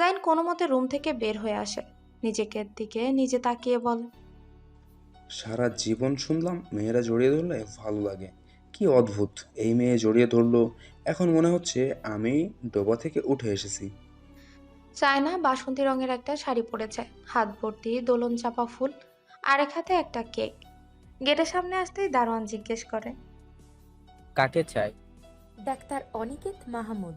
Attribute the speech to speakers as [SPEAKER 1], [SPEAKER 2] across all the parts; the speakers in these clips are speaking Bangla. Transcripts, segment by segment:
[SPEAKER 1] জাইন কোনো মতে রুম থেকে বের হয়ে আসে, নিজেকে দিকে নিজে তাকিয়ে বলে,
[SPEAKER 2] সারা জীবন শুনলাম মেয়েরা জড়িয়ে ধরলে ভালো লাগে, কি অদ্ভুত এই মেয়ে জড়িয়ে ধরলো। এখন মনে হচ্ছে আমি ডোবা থেকে উঠে এসেছি।
[SPEAKER 1] চায়না বাসন্তী রঙের একটা শাড়ি পরেছে, হাত ভর্তি দোলন চাপা ফুল, আরেক হাতে একটা কেক। গেটের সামনে আসতেই দারোয়ান জিজ্ঞেস করে,
[SPEAKER 3] কাকে চাই?
[SPEAKER 4] ডাক্তার অনিকেত মাহমুদ।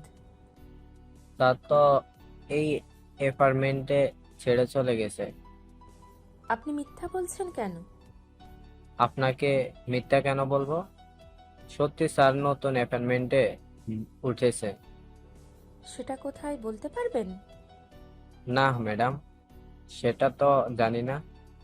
[SPEAKER 3] তা তো এই অ্যাপার্টমেন্টে ছেড়ে চলে গেছে।
[SPEAKER 4] আপনি মিথ্যা বলছেন কেন?
[SPEAKER 3] আপনাকে মিথ্যা কেন বলবো? সত্যি স্যার নতুন অ্যাপার্টমেন্টে উঠেছে।
[SPEAKER 4] সেটা কোথায় বলতে পারবেন?
[SPEAKER 3] না ম্যাডাম, সেটা তো জানি না।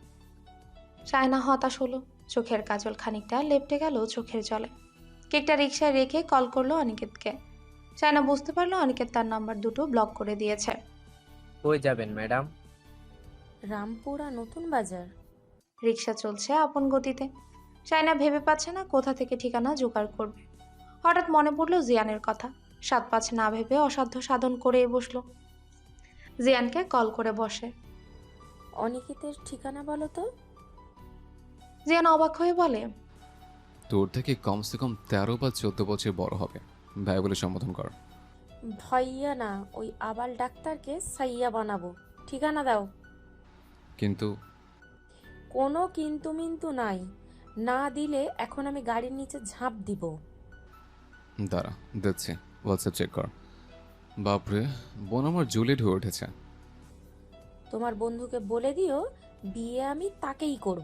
[SPEAKER 1] চায়না হতাশ হলো, চোখের কাজল খানিকটা লেপটে গেল চোখের জলে। কেকটা রিকশায় রেখে কল করলো অনিকেতকে। চায়না বুঝতে পারলো অনিকেত তার নাম্বার দুটো ব্লক করে দিয়েছে।
[SPEAKER 3] কই যাবেন ম্যাডাম?
[SPEAKER 4] রামপুরা নতুন বাজার।
[SPEAKER 1] রিকশা চলছে আপন গতিতে। চায়না ভেবে পাচ্ছে না কোথা থেকে ঠিকানা জোগাড় করবে। হঠাৎ মনে পড়লো জিয়ানের কথা। ৭-৫ না ভেবে অসাধ্য সাধন করে বসলো। জিয়ানকে কল করে বসে।
[SPEAKER 4] অনিকেতের ঠিকানা বলো তো।
[SPEAKER 1] জিয়ান অবাক হয়ে বলে,
[SPEAKER 5] তোর থেকে কমসে কম 13 বা 14 বছর বড় হবে, ভাই বলে সম্বোধন কর।
[SPEAKER 4] ভাইয়া না, ওই আবাল ডাক্তারকে সাইয়া বানাবো। ঠিকানা দাও।
[SPEAKER 5] কিন্তু
[SPEAKER 4] কোনো কিন্তু মিন্তু নাই। না দিলে এখন আমি গাড়ির নিচে ঝাঁপ দিব।
[SPEAKER 5] দাঁড়া, দিচ্ছি, হোয়াটসঅ্যাপ চেক কর। বাপরে, বোন আমার জুলিয়েট হয়ে উঠেছে।
[SPEAKER 4] তোমার বন্ধুকে বলে দিও বিয়ে আমি তাকেই করব।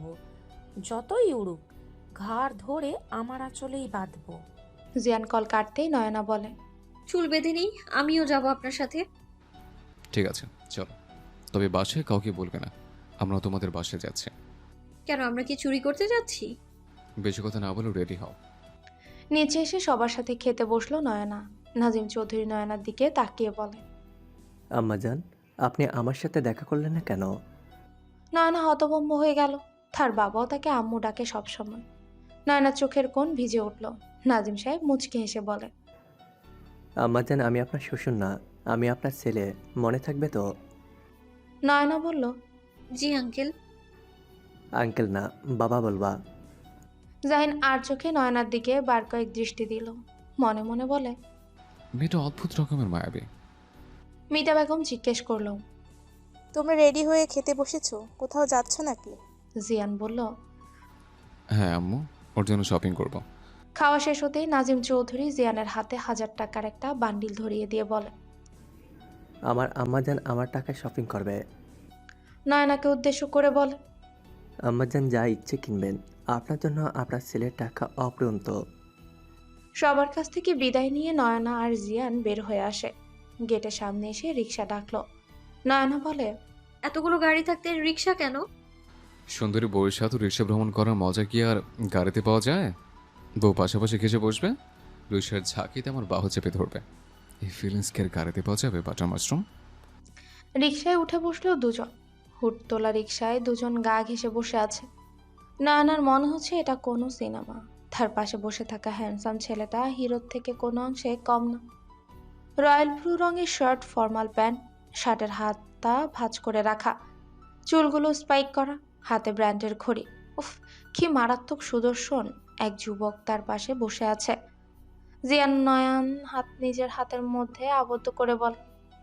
[SPEAKER 4] যতই উড়ুক, ঘাড় ধরে আমার আঁচলেই বাঁধবো।
[SPEAKER 1] জিয়ান কল কাটতেই নয়না বলে,
[SPEAKER 6] চুল বেঁধে নেই, আমিও যাব আপনার সাথে।
[SPEAKER 5] ঠিক আছে, চলো। তবে বাসায় কাউকে বলবে না আমরা তোমাদের বাসায় যাচ্ছি।
[SPEAKER 6] কেন, আমরা কি চুরি করতে যাচ্ছি?
[SPEAKER 5] বেশি কথা না বলেও রেডি হও।
[SPEAKER 1] নিচে এসে সবার সাথে খেতে বসলো নয়না। নাজিম চৌধুরী নয়নার দিকে তাকিয়ে বলে,
[SPEAKER 7] আম্মাজান, আপনি আমার সাথে দেখা করলেন না কেন?
[SPEAKER 1] নয়না হতভম্ব হয়ে গেল। তার বাবাও তাকে আম্মু ডাকে সবসময়। নয়নার চোখের কোণ ভিজে উঠল। নাজিম সাহেব মুচকি হেসে বলে,
[SPEAKER 7] আম্মাজান, আমি আপনার শ্বশুর না, আমি আপনার ছেলে, মনে থাকবে তো?
[SPEAKER 1] নয়না বলল,
[SPEAKER 6] জি আঙ্কেল।
[SPEAKER 7] আঙ্কেল না, বাবা বলবা।
[SPEAKER 1] জাহিন আর চোখে নয়নার দিকে বার কয়েক দৃষ্টি দিল। মনে মনে বলে,
[SPEAKER 5] মেয়েটা অদ্ভুত রকমের মায়াবী।
[SPEAKER 1] মিতা বেগম জিজ্ঞেস করলো,
[SPEAKER 8] তোমরা রেডি হয়ে খেতে বসেছো? কোথাও যাচ্ছ নাকি?
[SPEAKER 1] জিয়ান বলল,
[SPEAKER 5] হ্যাঁ আম্মু, ওর জন্য শপিং করব।
[SPEAKER 1] খাওয়া শেষ হতেই নাজিম চৌধুরী জিয়ানের হাতে 1000 টাকার একটা বান্ডিল ধরিয়ে দিয়ে বলে,
[SPEAKER 7] আমার আম্মাজান আমার টাকায় শপিং করবে।
[SPEAKER 1] নয়নাকে উদ্দেশ্য করে বলে,
[SPEAKER 7] আম্মাজান যা ইচ্ছে কিনবেন, আপনার জন্য আপনার ছেলের টাকা অপ্রন্ত।
[SPEAKER 1] সবার কাছ থেকে বিদায় নিয়ে নয়না আর জিয়ান বের হয়ে আসে। গেটের সামনে এসে রিক্সা ডাকলো। নয়না বলে,
[SPEAKER 6] এতগুলো গাড়ি থাকতে রিক্সা কেন?
[SPEAKER 5] সুন্দরী বউয়ের সাথে রিক্সা ভ্রমণ করার মজা কি আর গাড়িতে পাওয়া যায়? বউ পাশাপাশি ঘেসে বসবে, রিক্সার ঝাঁকিতে আমার বাহু চেপে ধরবে। এই ফিলিংস কি আর গাড়িতে পাওয়া যাবে বাটার মাশরুম?
[SPEAKER 1] রিক্সায় উঠে বসলো দুজন। হুট তোলা রিক্সায় দুজন গা ঘেঁষে বসে আছে। নয়নার মনে হচ্ছে এটা কোনো সিনেমা। তার পাশে বসে থাকা হ্যান্ডসাম ছেলেটা হিরোর থেকে কোনো অংশে কম না। রয়্যাল ব্লু রঙের শার্ট, ফর্মাল প্যান্ট, শার্টের হাতটা ভাঁজ করে রাখা, চুলগুলো স্পাইক করা, হাতে ব্র্যান্ডের ঘড়ি। উফ, কি মারাত্মক সুদর্শন এক যুবক তার পাশে বসে আছে। জিয়ান নয়ন হাত নিজের হাতের মধ্যে আবদ্ধ করে বলে,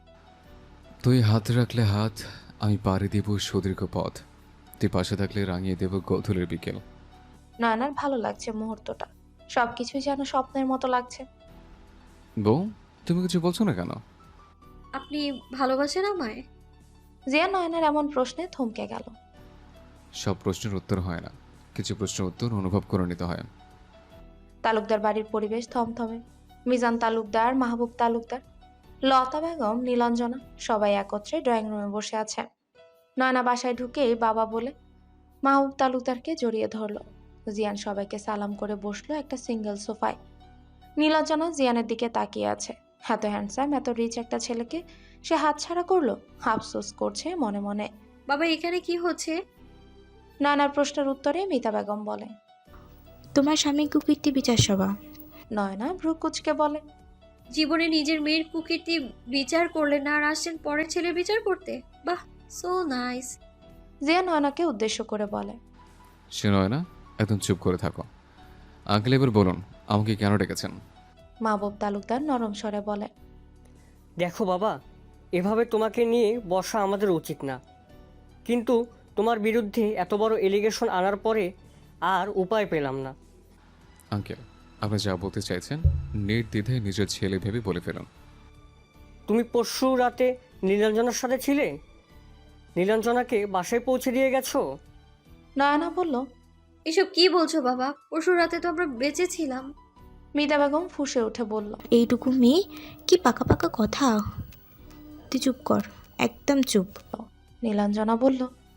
[SPEAKER 5] তুই হাত রাখলে হাত, আমি পাড়ি দেব সুদীর্ঘ পথ। তুই পাশে থাকলে রাঙিয়ে দেব গোধূলির বিকেল।
[SPEAKER 1] নয়নার ভালো লাগছে মুহূর্তটা। সবকিছুই যেন স্বপ্নের মতো লাগছে।
[SPEAKER 5] বউ, তুমি কিছু বলছো না কেন?
[SPEAKER 6] আপনি ভালোবাসেন আমায়?
[SPEAKER 1] জিয়া নয়নার এমন প্রশ্নে থমকে গেল।
[SPEAKER 5] সব প্রশ্নের উত্তর হয় না, কিছু প্রশ্নের উত্তর অনুভব করে নিতে হয়।
[SPEAKER 1] তালুকদার বাড়ির পরিবেশ থমথমে। মিজান তালুকদার, মাহবুব তালুকদার, লতা বেগম, নীলাঞ্জনা সবাই একত্রে ড্রয়িং রুমে বসে আছে। নয়না বাসায় ঢুকেই বাবা বলে মাহবুব তালুকদারকে জড়িয়ে ধরলো। জিয়ান সবাইকে সালাম করে বসলো একটা সিঙ্গেল সোফায়। নীলাঞ্জনা জিয়ানের দিকে তাকিয়ে আছে। এত হ্যান্ডসাম, এত রিচ একটা ছেলেকে সে হাতছাড়া করলো। আফসোস করছে মনে মনে।
[SPEAKER 6] বাবা, এখানে কি হচ্ছে?
[SPEAKER 1] নানার প্রশ্নের উত্তরে মিতা বেগম বলে,
[SPEAKER 8] তোমার স্বামী কুকীর্তি বিচার সভা।
[SPEAKER 1] নয়না ভ্রু কুচকে বলে,
[SPEAKER 6] জীবনে নিজের মেয়ের কুকীর্তি বিচার করলেন না আর আসছেন পরের ছেলের বিচার করতে। বাহ, সো নাইস।
[SPEAKER 1] জিয়া নয়নাকে উদ্দেশ্য করে বলে।
[SPEAKER 5] সে নয় না, একদম চুপ করে থাকো। আঙ্কেল এবার বলুন আমাকে কেন ডেকেছেন?
[SPEAKER 1] মাহবুব তালুকদার নরম স্বরে বলে।
[SPEAKER 9] দেখো বাবা, এভাবে তোমাকে নিয়ে বসা আমাদের উচিত না, কিন্তু তোমার বিরুদ্ধে এত বড় এলিগেশন আনার পরে আর উপায় পেলাম না।
[SPEAKER 5] আঙ্কেল, আপনি যা বলতে চাইছেন নির্দ্বিধায় নিজের ছেলে ভেবে বলে ফেলুন।
[SPEAKER 9] তুমি পরশু রাতে নীলাঞ্জনার সাথে ছিলে? নীলাঞ্জনাকে বাসায় পৌঁছে দিয়ে গেছো?
[SPEAKER 1] নয়না বলল।
[SPEAKER 6] এসব কি বলছো বাবা? পরশু রাতে তো আমরা বেঁচে ছিলাম।
[SPEAKER 1] মিতা বেগম ফুঁসে উঠে বলল।
[SPEAKER 10] এইটুকু মেয়ে, কি পাকা পাকা কথা। তুই চুপ কর, একদম চুপ।
[SPEAKER 1] নীলাঞ্জনা বলল।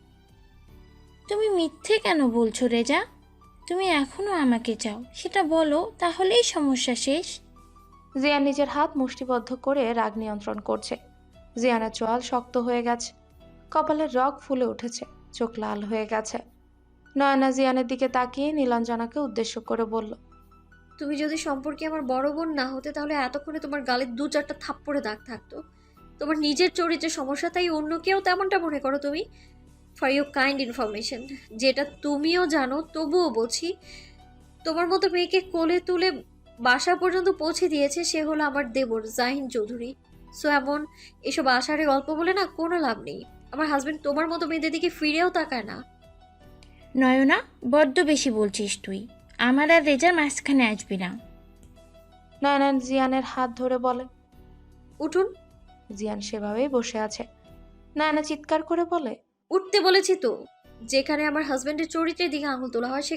[SPEAKER 11] তুমি মিথ্যে কেন বলছো রেজা? তুমি এখনো আমাকে চাও, সেটা বলো, তাহলেই সমস্যা শেষ।
[SPEAKER 1] জিয়ান নিজের হাত মুষ্টিবদ্ধ করে রাগ নিয়ন্ত্রণ করছে। জিয়ানের চোয়াল শক্ত হয়ে গেছে, কপালের রগ ফুলে উঠেছে, চোখ লাল হয়ে গেছে। নয়না জিয়ানের দিকে তাকিয়ে নীলাঞ্জনাকে উদ্দেশ্য করে বলল।
[SPEAKER 6] তুমি যদি সম্পর্কে আমার বড় বোন না হতে তাহলে এতক্ষণে তোমার গালে 2-4টা থাপ্পড়ে দাগ থাকতো। তোমার নিজের চরিত্রের সমস্যা, তাই অন্য কেউ তেমনটা মনে করো তুমি। ফর ইউর কাইন্ড ইনফরমেশন, যেটা তুমিও জানো তবুও বলছি, তোমার মতো মেয়েকে কোলে তুলে বাসা পর্যন্ত পৌঁছে দিয়েছে সে হলো আমার দেবর জাহিন চৌধুরী। সো এমন এসব আষাঢ়ে গল্প বলে না কোনো লাভ নেই। আমার হাজবেন্ড তোমার মতো মেয়েদের দিকে ফিরেও তাকায় না।
[SPEAKER 11] নয়না, বড্ড বেশি বলছিস তুই। আমার আর রেজার মাঝখানে আসবি না।
[SPEAKER 1] নয়না জিয়ানের হাত ধরে বলে।
[SPEAKER 6] উঠুন।
[SPEAKER 1] জিয়ান সেভাবেই বসে আছে। নয়না চিৎকার করে বলে।
[SPEAKER 6] উঠতে বলেছি তো। যেখানে আমার হাজবেন্ডের চরিত্রের দিকে আঙুল তোলা হয়,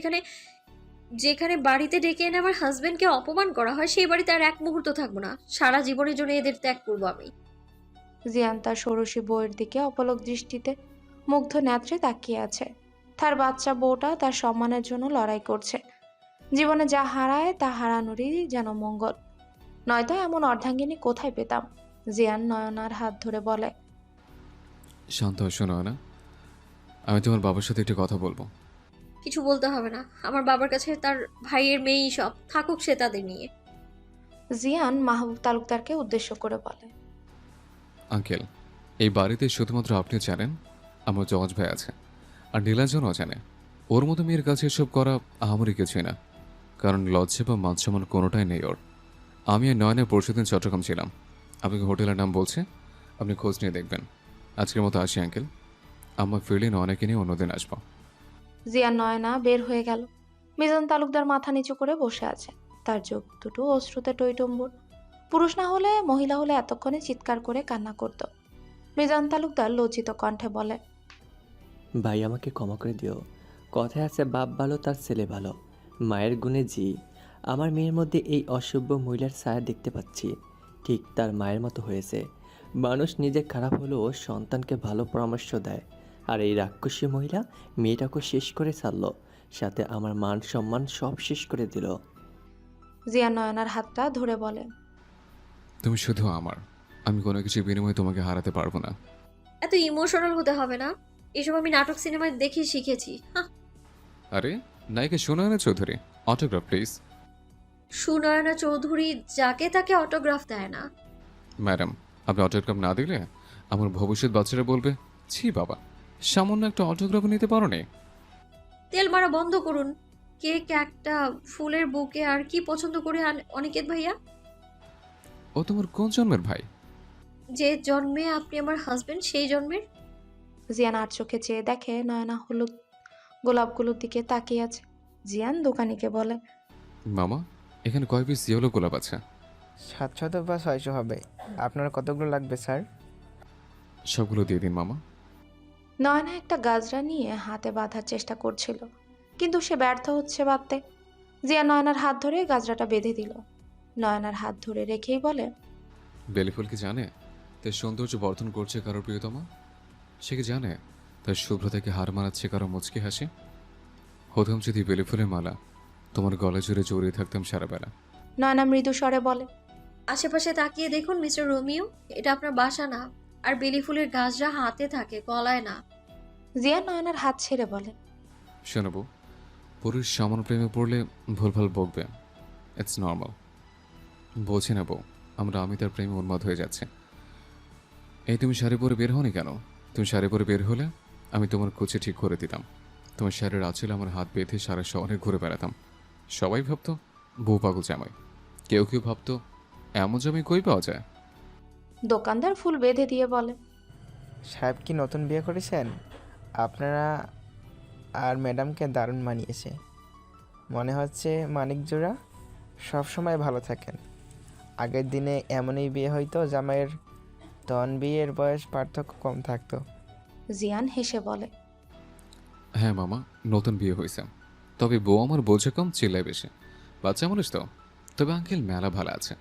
[SPEAKER 6] যেখানে বাড়িতে ডেকে এনে আমার হাজবেন্ডকে অপমান করা হয়, সেই বাড়িতে আর এক মুহূর্ত থাকবো না। সারা জীবনের জন্য এদের ত্যাগ করবো আমি।
[SPEAKER 1] জিয়ান তার ষোড়শী বউয়ের দিকে অপলক দৃষ্টিতে মুগ্ধ নেত্রে তাকিয়ে আছে। তার বাচ্চা বউটা তার সম্মানের জন্য লড়াই করছে। জীবনে যা হারায় তা হারানোরই যেন মঙ্গল, নয়তো এমন অর্ধাঙ্গিনী কোথায় পেতাম। জিয়ান নয়নার হাত ধরে বলে।
[SPEAKER 5] শান্ত হয়, শোনো না, আমি তোমার বাবার সাথে একটু কথা বলবো।
[SPEAKER 6] কিছু বলতে হবে না, আমার বাবার কাছে তার ভাইয়ের মেয়েই সব, থাকুক সে তাদের নিয়ে।
[SPEAKER 1] জিয়ান মাহবুব তালুকদারকে উদ্দেশ্য করে বলে।
[SPEAKER 5] আঙ্কেল, এই বাড়িতে শুধুমাত্র আপনি জানেন আমার জজ ভাই আছে, আর নীলাঞ্জনও জানে। ওর মতো মেয়ের কাছে এসব করা আমারই কিছুই না, কারণ লজ্জা বা মানসম্মান কোনোটাই নেই ওর। আমি আর নয়নের পরশুদিন চট্টগ্রাম ছিলাম। আপনাকে হোটেলের নাম বলছে, আপনি খোঁজ নিয়ে দেখবেন। আজকের মতো আসি আঙ্কেল, আমার ফিরলে নয়নাকে নিয়ে অন্যদিন আসবো।
[SPEAKER 1] জিয়ান নয়না বের হয়ে গেল। মিজান তালুকদার মাথা নিচু করে বসে আছে, তার চোখ দুটো অশ্রুতে টইটম্বুর। পুরুষ না হলে, মহিলা হলে এতক্ষণে চিৎকার করে কান্না করত। মিজান তালুকদার লজ্জিত কণ্ঠে বলে।
[SPEAKER 7] ভাই আমাকে ক্ষমা করে দিও। কথায় আছে বাপ ভালো তার ছেলে ভালো। মায়ের গুণে জি, আমার মেয়ের মধ্যে এই অসভ্য মহিলার ছায়া দেখতে পাচ্ছি। ঠিক তার মায়ের মতো হয়েছে। মানুষ নিজে খারাপ হলেও সন্তানকে ভালো পরামর্শ দেয়, আর এই রাক্ষসী মহিলা মেয়েটাকে শেষ করে ছাড়লো, সাথে আমার মান সম্মান সব শেষ করে দিল।
[SPEAKER 1] জিয়ান নয়নার হাতটা ধরে বলে।
[SPEAKER 5] তুমি শুধু আমার, আমি কোনো কিছু বিনিময়ে তোমাকে হারাতে পারবো না।
[SPEAKER 6] এত ইমোশনাল হতে হবে না, এসব আমি নাটক সিনেমায় দেখে শিখেছি।
[SPEAKER 5] আরে নায়িকা সুনয়না চৌধুরী, অটোগ্রাফ প্লিজ।
[SPEAKER 6] সুনয়না চৌধুরী যাকে তাকে অটোগ্রাফ দেয় না।
[SPEAKER 5] ম্যাডাম, আপনি অটোগ্রাফ না দিলে আমার ভবিষ্যৎ বাচ্চারা বলবে, ছি বাবা, সামান্য একটা অটোগ্রাফ নিতে পারো নি।
[SPEAKER 6] তেল মারা বন্ধ করুন। কেক, একটা ফুলের বুকে, আর কি পছন্দ করে অনিকেত ভাইয়া?
[SPEAKER 5] ও তোমার কোন জন্মের ভাই?
[SPEAKER 6] যে জন্মে আপনি আমার হাজবেন্ড, সেই জন্মের।
[SPEAKER 1] জিয়ান আর চোখে চেয়ে দেখে নয়না হলুদ গোলাপগুলোর দিকে তাকিয়ে আছে। জিয়ান দোকানিকে বলে।
[SPEAKER 5] মামা, এখানে কয় পিস ইয়েলো গোলাপ আছে?
[SPEAKER 12] 700 বা 600 হবে। আপনার কতগুলো লাগবে স্যার?
[SPEAKER 5] সবগুলো দিয়ে দিন মামা।
[SPEAKER 1] নয়না একটা গাজরা নিয়ে হাতে বাঁধার চেষ্টা করছিল, কিন্তু সে ব্যর্থ হচ্ছে বাঁধতে। জিয়া নয়নার হাত ধরে গাজরাটা বেঁধে দিল। নয়নার হাত ধরে রেখেই বলে।
[SPEAKER 5] বেলিফুল কি জানে তার সৌন্দর্য বর্ধন করছে কারোর প্রিয়তমা? সে কি জানে তার শুভ্রতাকে হার মানাচ্ছে কারো মুচকি হাসি? হতাম যদি বেলিফুলের মালা তোমার গলা জুড়ে জড়িয়ে থাকতাম সারা বেলা।
[SPEAKER 1] নয়না মৃদু স্বরে বলে।
[SPEAKER 6] আশেপাশে তাকিয়ে দেখুন মিস্টার রোমিও, এটা আপনার বাসা না। আর বেলি ফুলের গাছরা হাতে থাকে, গলায় না।
[SPEAKER 1] জিয়া নয়নার হাত ছেড়ে বলে।
[SPEAKER 5] শোনাবো, পুরুষ সামান্য প্রেমে পড়লে ভুলভাল বকবে, ইটস নর্মাল। বলছি না বউ, আমি তার প্রেমে উন্মাদ হয়ে যাচ্ছে। এই তুমি শাড়ি পরে বের হওনি কেন? তুমি শাড়ি পরে বের হলে আমি তোমার কুচি ঠিক করে দিতাম। তোমার শাড়ির আঁচলে আমার হাত বেঁধে সারা শহরে ঘুরে বেড়াতাম। সবাই ভাবতো বউ পাগল জামাই, কেউ কেউ ভাবতো এমন জামাই কই পাওয়া যায়।
[SPEAKER 1] দোকানদার ফুল বেঁধে দিয়ে বলে,
[SPEAKER 12] সাহেব কি নতুন বিয়ে করেছেন? আপনারা আর ম্যাডামকে দারুণ মানিয়েছে। মনে হচ্ছে মানিক জোড়া সবসময় ভালো থাকেন। আগের দিনে এমনই বিয়ে হইতো, জামাইয়ের তখন বিয়ের বয়স পার্থক্য কম থাকতো।
[SPEAKER 1] জিয়ান হেসে বলে,
[SPEAKER 5] হ্যাঁ মামা, নতুন বিয়ে হয়েছে, তবে বউ আমার বোঝে কম, চিল্লায় বেশি। বাচ্চা মানুষ তো, তবে আঙ্কেল মেলা ভালো আছে।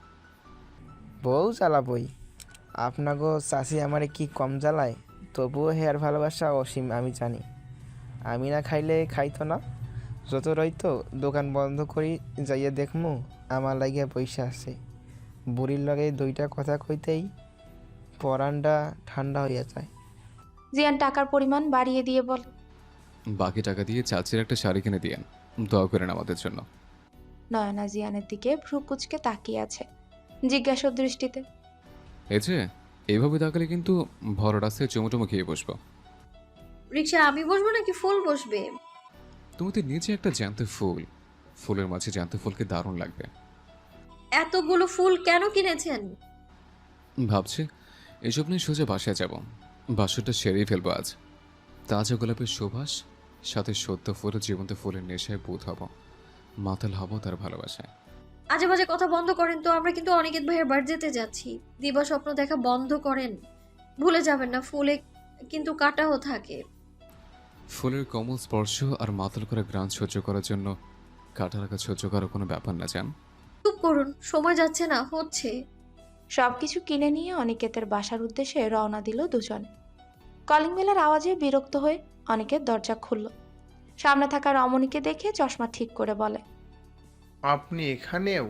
[SPEAKER 12] বউ জ্বালাবই, আপনাগো চাষি আমারে কি কম জ্বালায়? তবুও হেয়ার ভালোবাসা অসীম আমি জানি। আমি না খাইলে খাইতো না, যত রইতো দোকান বন্ধ করি যাইয়া দেখমু আমার লাগিয়া পয়সা আছে। বুড়ির লগে দুইটা কথা কইতেই পরানটা ঠান্ডা হইয়া যায়।
[SPEAKER 1] জিয়ান টাকার পরিমাণ বাড়িয়ে দিয়ে বলে,
[SPEAKER 5] বাকি টাকা দিয়ে চাচির একটা শাড়ি কিনে দিয়েন, দোয়া করেন আমাদের জন্য।
[SPEAKER 1] নয়না জিয়ানের দিকে ভ্রু কুচকে তাকিয়ে আছে জিজ্ঞাসা দৃষ্টিতে।
[SPEAKER 5] এই যে এইভাবে তাকালে কিন্তু ভর রাস্তায় চুমুটুমু খেয়ে বসবো।
[SPEAKER 6] রিক্সা আমি বসবো নাকি ফুল বসবে?
[SPEAKER 5] তুমি তো নিচে একটা জ্যান্ত ফুল, ফুলের মাঝে জ্যান্ত ফুলকে দারুণ লাগবে।
[SPEAKER 6] এতগুলো ফুল কেন কিনেছেন?
[SPEAKER 5] ভাবছি এসব নিয়ে সোজা বাসায় যাব, বাসরটা সেরেই ফেলবো আজ। তাজা গোলাপের সুবাস সাথে সদ্য ফুলের জীবন্ত ফুলের নেশায় বোধ হব, মাতাল হব তার ভালোবাসায়।
[SPEAKER 6] আজে বাজে কথা বন্ধ করেন তো। আমরা কিন্তু অনিকেত ভাইয়ের বাড়ি যেতে যাচ্ছি। দিবা স্বপ্ন দেখা বন্ধ করেন। ভুলে যাবেন না ফুলে কিন্তু কাটাও থাকে।
[SPEAKER 5] ফুলের কোমল স্পর্শ আর মাতাল করা গ্রান সহ্য করার জন্য কাটা রাখা সহ্য করার কোনো ব্যাপার না জান।
[SPEAKER 6] চুপ করুন, সময় যাচ্ছে না, হচ্ছে।
[SPEAKER 1] সবকিছু কিনে নিয়ে অনিকেতের বাসার উদ্দেশ্যে রওনা দিল দুজনে। কলিং বেলের আওয়াজে বিরক্ত হয়ে অনিকেত দরজা খুলল। সামনে থাকা রমণীকে দেখে চশমা ঠিক করে বলে,
[SPEAKER 13] আপনি এখানেও?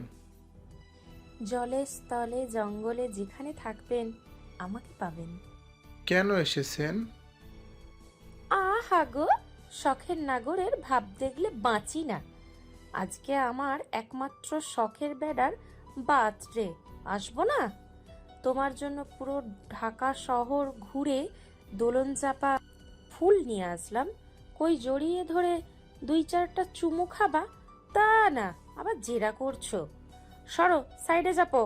[SPEAKER 4] জলে স্থলে জঙ্গলে যেখানে থাকবেন আমাকে পাবেন।
[SPEAKER 13] কেন এসেছেন?
[SPEAKER 4] আহা গো, শখের নাগরের ভাব দেখলে বাঁচি না। আজকে আমার একমাত্র শখের বেড়ার বার্থডে, আসবো না? তোমার জন্য পুরো ঢাকা শহর ঘুরে দোলন চাপা ফুল নিয়ে আসলাম। কই জড়িয়ে ধরে 2-4টা চুমু খাবা? তা না, আবার জেরা করছো। সরো, সাইডে যাবো।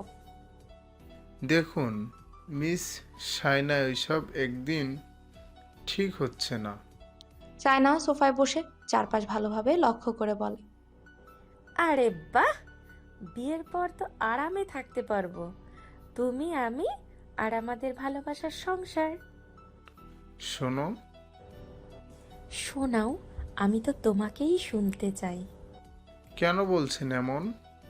[SPEAKER 13] দেখুন মিস সাইনা, ওইসব একদিন ঠিক হচ্ছে না।
[SPEAKER 1] চায়না সোফায় বসে চারপাশ ভালোভাবে লক্ষ্য করে বলে,
[SPEAKER 4] আরে বাহ, বিয়ের পর তো আরামে থাকতে পারবো, তুমি আমি আর আমাদের ভালোবাসার সংসার।
[SPEAKER 13] শোনো।
[SPEAKER 4] শোনাও, আমি তো তোমাকেই শুনতে চাই।
[SPEAKER 13] কেন বলছেন এমন?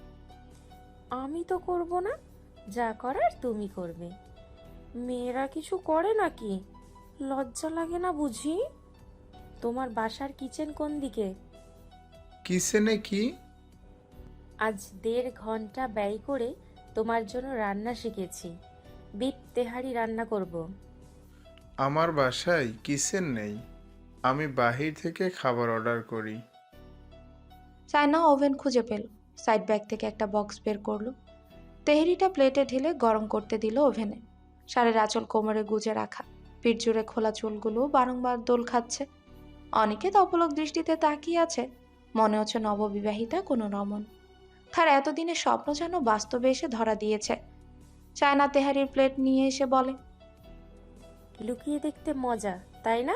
[SPEAKER 4] আমি তো করব না, যা করার তুমি করবে। মেয়েরা কিছু করে নাকি? লজ্জা লাগে না বুঝি? তোমার বাসার কিচেন কোন দিকে?
[SPEAKER 13] কিসেনে কি?
[SPEAKER 4] আজ 1.5 ঘন্টা ব্যয় করে তোমার জন্য রান্না শিখেছি। বিপ তেহারি রান্না করব।
[SPEAKER 13] আমার বাসায় কিচেন নেই, আমি বাহির থেকে খাবার অর্ডার করি।
[SPEAKER 1] চায়না ওভেন খুঁজে পেল, সাইড ব্যাগ থেকে একটা বক্স বের করলো। তেহরিটা প্লেটে ঢেলে গরম করতে দিল ওভেনে। শাড়ির আঁচল কোমরে গুজে রাখা, পিঠ জুড়ে খোলা চুলগুলো বারংবার দোল খাচ্ছে। অনিকেত অপলক দৃষ্টিতে তাকিয়ে আছে, মনে হচ্ছে নববিবাহিতা কোনো রমণ। তার এতদিনের স্বপ্ন যেন বাস্তবে এসে ধরা দিয়েছে। চায়না তেহারির প্লেট নিয়ে এসে বলে,
[SPEAKER 4] লুকিয়ে দেখতে মজা, তাই না?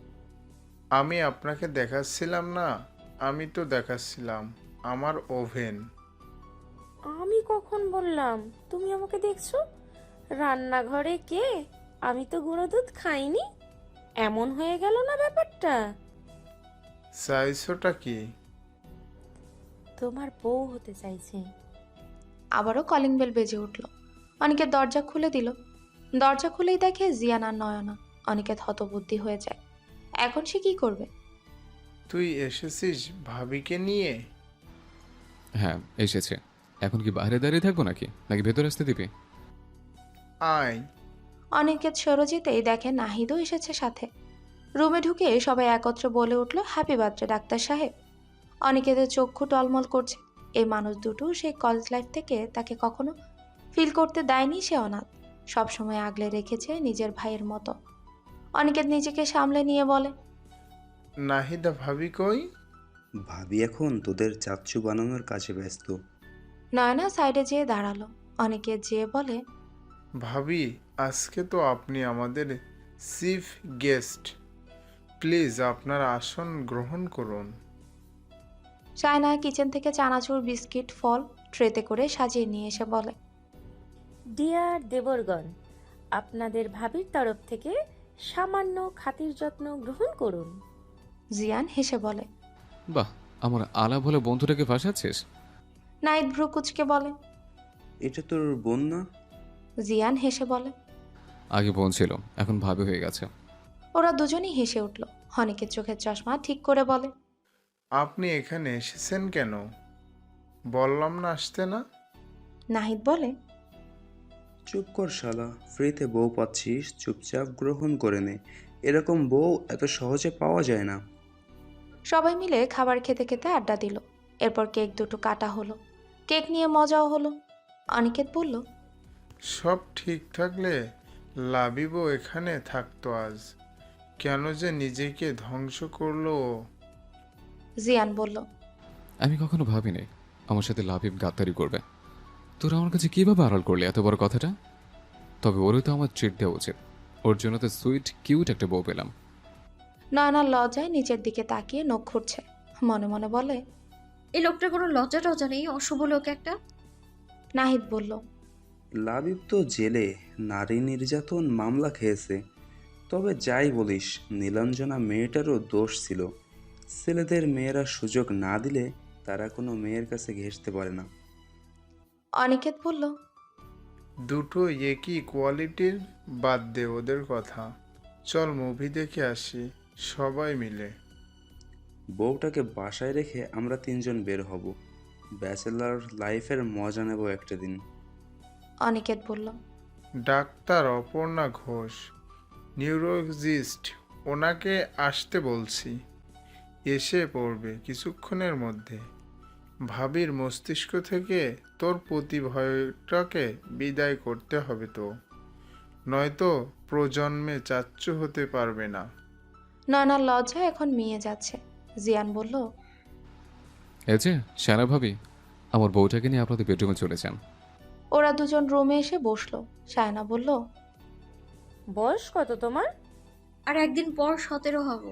[SPEAKER 13] আমি আপনাকে দেখাচ্ছিলাম না, আমি তো দেখাচ্ছিলাম আমার ওভেন।
[SPEAKER 4] আমি কখন বললাম তুমি আমাকে দেখছো? রান্নাঘরে কে? আমি তো গুঁড়ো দুধ খাইনি। এমন হয়ে গেল না ব্যাপারটা?
[SPEAKER 13] চাইছোটা কি?
[SPEAKER 4] তোমার বউ হতে চাইছে।
[SPEAKER 1] আবারও কলিং বেল বেজে উঠল। অনিকেত দরজা খুলে দিল। দরজা খুলেই দেখে জিয়ান আর নয়না। অনিকেত হতবুদ্ধি হয়ে যায়, এখন সে কি করবে?
[SPEAKER 13] তুই এসেছিস ভাবিকে নিয়ে?
[SPEAKER 5] হ্যাঁ এসেছে। এখন কি বাইরে দাঁড়িয়ে থাকবো নাকি ভেতরে আসতে দিবি?
[SPEAKER 13] আয়।
[SPEAKER 1] অনিকেত সরে যেতেই দেখে নাহিদও এসেছে সাথে। রুমে ঢুকে সবাই একত্রে বলে উঠল, হ্যাপি বার্থডে ডাক্তার সাহেব। অনিকেতের চক্ষু টলমল করছে। এই মানুষ দুটো সেই কলেজ লাইফ থেকে তাকে কখনো ফিল করতে দেয়নি সে অনাথ, সবসময় আগলে রেখেছে নিজের ভাইয়ের মতো। অনিকেত নিজেকে সামলে নিয়ে বলে,
[SPEAKER 13] নাহিদা ভাবি কই?
[SPEAKER 2] ভাবি এখন তোদের চাচ্চু বানানোর কাছে ব্যস্ত।
[SPEAKER 1] নয়না সাইডে যেয়ে দাঁড়ালো। অনিকেত যেয়ে বলে,
[SPEAKER 13] ভাবি আজকে তো আপনি আমাদের চিফ গেস্ট, প্লিজ আপনার আসন গ্রহণ করুন।
[SPEAKER 1] সায়না কিচেন থেকে চানাচুর, বিস্কিট, ফল ট্রেতে করে সাজিয়ে নিয়ে এসে বলে,
[SPEAKER 4] ডিয়ার দেবরগণ, আপনাদের ভাবির তরফ থেকে সামান্য খাতির যত্ন গ্রহণ করুন।
[SPEAKER 1] জিয়ান হেসে বলে।
[SPEAKER 5] বাহ, আমার আলাপ হলে বন্ধুটাকে ফাঁসাচ্ছিস?
[SPEAKER 1] নাহিদ ভ্রু কুচকে বলে।
[SPEAKER 2] এটা তোর বোন না?
[SPEAKER 1] জিয়ান হেসে বলে।
[SPEAKER 5] আগে বোন ছিল, এখন ভাবি হয়ে গেছে।
[SPEAKER 1] ওরা দুজনেই হেসে উঠল। অনিকের চোখের চশমা ঠিক করে বলে,
[SPEAKER 13] আপনি এখানে এসেছেন কেন? বললাম না আসতে না?
[SPEAKER 1] নাহিদ বলে,
[SPEAKER 2] চুপ কর শালা, ফ্রিতে বউ পাচ্ছিস, চুপচাপ গ্রহণ করে নে। এরকম বউ এত সহজে পাওয়া যায় না।
[SPEAKER 1] সবাই মিলে খাবার খেতে খেতে আড্ডা দিল। এরপর কেক দুটো কাটা হলো। কেক নিয়ে মজাও হলো। অনিকেত বলল,
[SPEAKER 13] সব ঠিক থাকলে লাবিবও এখানে থাকতো আজ, কেন যে নিজেকে ধ্বংস করলো ও।
[SPEAKER 1] জিয়ান বলল,
[SPEAKER 5] আমি কখনো ভাবিনি আমার সাথে লাবিব গাদ্দারি করবে। তোরা আমার কাছে কিভাবে আড়াল করলি এত বড় কথাটা? তবে ওরই তো আমার ট্রিট দেওয়া উচিত। ওর জন্য তো সুইট কিউট একটা বউ পেলাম।
[SPEAKER 1] নয়না লজ্জায় নিচের দিকে তাকিয়ে নখ খুঁড়ছে। মনে মনে বলে,
[SPEAKER 6] এই লোকটার কোনো লজ্জা টজ্জা নেই, অশুভ লোক একটা।
[SPEAKER 1] নাহিদ বলল,
[SPEAKER 2] লাবিব তো জেলে নারী নির্যাতন মামলা খেয়েছে। তবে যাই বলিস, নীলাঞ্জনা মেয়েটারও দোষ ছিল। ছেলেদের মেয়েরা সুযোগ না দিলে তারা কোনো মেয়ের কাছে ঘেঁষতে পারে না।
[SPEAKER 1] অনিকেত বলল,
[SPEAKER 13] দুটো একই কোয়ালিটির, বাদ দে ওদের কথা। চল মুভি দেখে আসি সবাই মিলে।
[SPEAKER 2] বউটাকে বাসায় রেখে আমরা তিনজন বের হব। ব্যাচেলার লাইফের মজা নেব একটা দিন।
[SPEAKER 1] অনিকেত বলল,
[SPEAKER 13] ডাক্তার অপর্ণা ঘোষ, নিউরোলজিস্ট, ওনাকে আসতে বলছি। এসে পড়বে কিছুক্ষণের মধ্যে। ভাবির মস্তিষ্ক থেকে তোর প্রতি ভয়টাকে বিদায় করতে হবে তো, নয়তো প্রজন্মে চাচ্চু হতে পারবে না।
[SPEAKER 1] নয়নার লজ্জা এখন মিয়ে যাচ্ছে। জিয়ান বলল,
[SPEAKER 5] এই যে সারা ভাবি, আমার বউটাকে নিয়ে আপনাদের বেডরুমে চলে যান।
[SPEAKER 1] ওরা দুজন রুমে এসে বসলো। সায়না বলল,
[SPEAKER 4] বয়স কত তোমার?
[SPEAKER 6] আর একদিন পর 17 হব।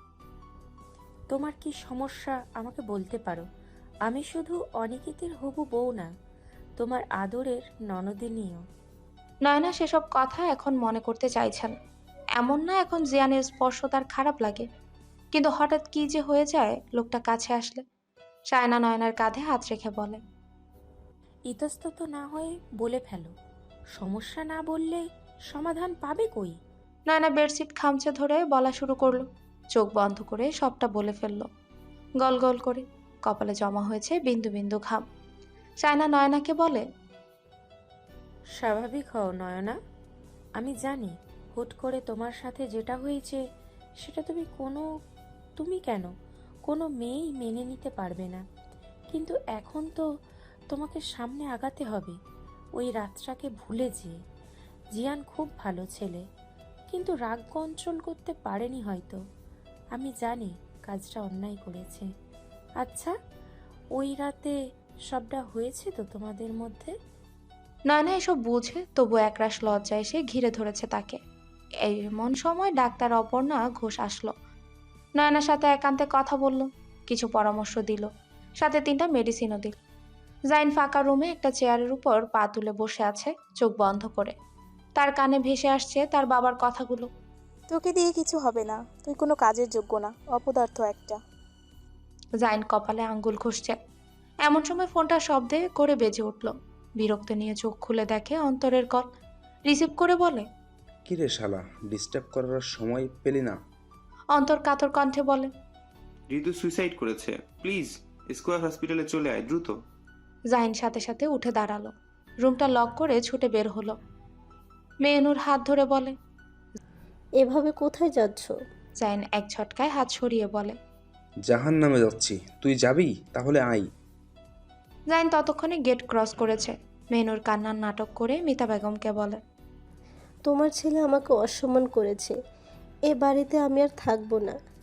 [SPEAKER 4] তোমার কি সমস্যা আমাকে বলতে পারো। আমি শুধু অনিকেতের হবু বউ না, তোমার আদরের ননদিনীও।
[SPEAKER 1] নয়না সেসব কথা এখন মনে করতে চাইছে না। এমন না এখন জিয়ানের স্পর্শ তার খারাপ লাগে, কিন্তু হঠাৎ কি যে হয়ে যায় লোকটা কাছে আসলে। সায়না নয়নার কাঁধে হাত রেখে বলে,
[SPEAKER 4] ইতস্তত না হয়ে বলে ফেলো। সমস্যা না বললে সমাধান পাবে কই?
[SPEAKER 1] নয়না বেডশিট খামচে ধরে বলা শুরু করলো। চোখ বন্ধ করে সবটা বলে ফেললো, গল গল করে। কপালে জমা হয়েছে বিন্দু বিন্দু ঘাম। সায়না নয়নাকে বলে,
[SPEAKER 4] স্বাভাবিক হও নয়না। আমি জানি হুট করে তোমার সাথে যেটা হয়েছে সেটা তুমি কেন কোনো মেয়েই মেনে নিতে পারবে না। কিন্তু এখন তো তোমাকে সামনে আগাতে হবে। ওই রাতটাকে ভুলে যেয়ে। জিয়ান খুব ভালো ছেলে, কিন্তু রাগ কন্ট্রোল করতে পারেনি হয়তো। আমি জানি কাজটা অন্যায় করেছে। আচ্ছা, ওই রাতে সবটা হয়েছে তো তোমাদের মধ্যে?
[SPEAKER 1] নয়না এসব বুঝে, তবু একরাশ লজ্জা এসে ঘিরে ধরেছে তাকে। এমন সময় ডাক্তার অপর্ণা ঘোষ আসলো। নয়নার সাথে একান্তে কথা বলল, কিছু পরামর্শ দিল, সাথে 3টা মেডিসিনও দিল। জাইন ফাঁকা রুমে একটা চেয়ারের উপর পা তুলে বসে আছে, চোখ বন্ধ করে। তার কানে ভেসে আসছে তার বাবার কথাগুলো।
[SPEAKER 8] তোকে দিয়ে কিছু হবে না, তুই কোনো কাজের যোগ্য না, অপদার্থ একটা।
[SPEAKER 1] জাইন কপালে আঙ্গুল ঘষছে। এমন সময় ফোনটা শব্দে করে বেজে উঠল। বিরক্ত নিয়ে চোখ খুলে দেখে অন্তরের কল। রিসিভ করে বলে,
[SPEAKER 2] কিরে শালা, ডিস্টার্ব করার সময় পেলি না?
[SPEAKER 1] অন্তর কাতর কণ্ঠে বলে,
[SPEAKER 14] ঋতু সুইসাইড করেছে, প্লিজ স্কোয়ার হসপিটালে চলে আয় দ্রুত।
[SPEAKER 1] জাইন সাথে সাথে উঠে দাঁড়ালো, রুমটা লক করে ছুটে বের হলো। মেহনুর হাত ধরে বলে,
[SPEAKER 15] এভাবে কোথায় যাচ্ছ?
[SPEAKER 1] জাইন এক ঝটকায় হাত সরিয়ে বলে,
[SPEAKER 2] জাহান নামে যাচ্ছি, তুই যাবি? তাহলে আই।
[SPEAKER 1] জাইন ততক্ষণে গেট ক্রস করেছে। মেনুর কান্নার নাটক করে মিতা বেগমকে বলে,
[SPEAKER 15] তোমার ছেলে আমাকে অসম্মান করেছে। এ বাড়িতে আমি আর থাকবো না।